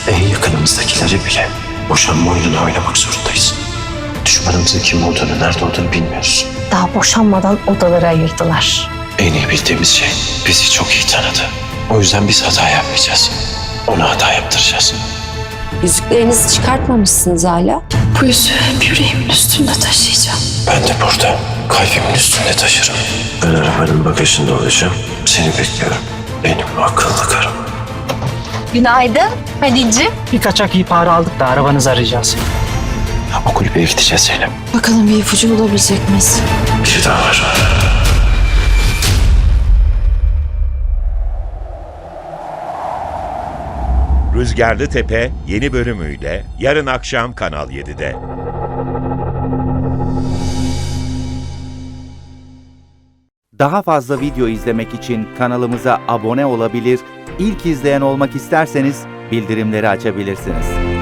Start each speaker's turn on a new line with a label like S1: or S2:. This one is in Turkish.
S1: En yakınımızdakileri bile boşanma oyununu oynamak zorundayız. Düşmanımızın kim olduğunu, nerede olduğunu bilmiyoruz.
S2: Daha boşanmadan odaları ayırdılar.
S1: En iyi bildiğimiz şey bizi çok iyi tanıdı. O yüzden biz hata yapmayacağız. Ona hata yaptıracağız.
S3: Yüzüklerinizi çıkartmamışsınız hala.
S2: Bu yüzüğü yüreğimin üstünde taşıyacağım.
S1: Ben de burada kalbimin üstünde taşırım. Ben arabanın bagajında olacağım. Seni bekliyorum. Benim akıllı karım.
S2: Günaydın Halil'ciğim.
S4: Bir kaçak ihbarı aldık da arabanızı arayacağız.
S1: O kulübeye gideceğiz Selim.
S3: Bakalım bir ipucu bulabilecek miyiz?
S1: Bir şey daha var.
S5: Rüzgarlı Tepe yeni bölümüyle yarın akşam Kanal 7'de.
S6: Daha fazla video izlemek için kanalımıza abone olabilir, ilk izleyen olmak isterseniz bildirimleri açabilirsiniz.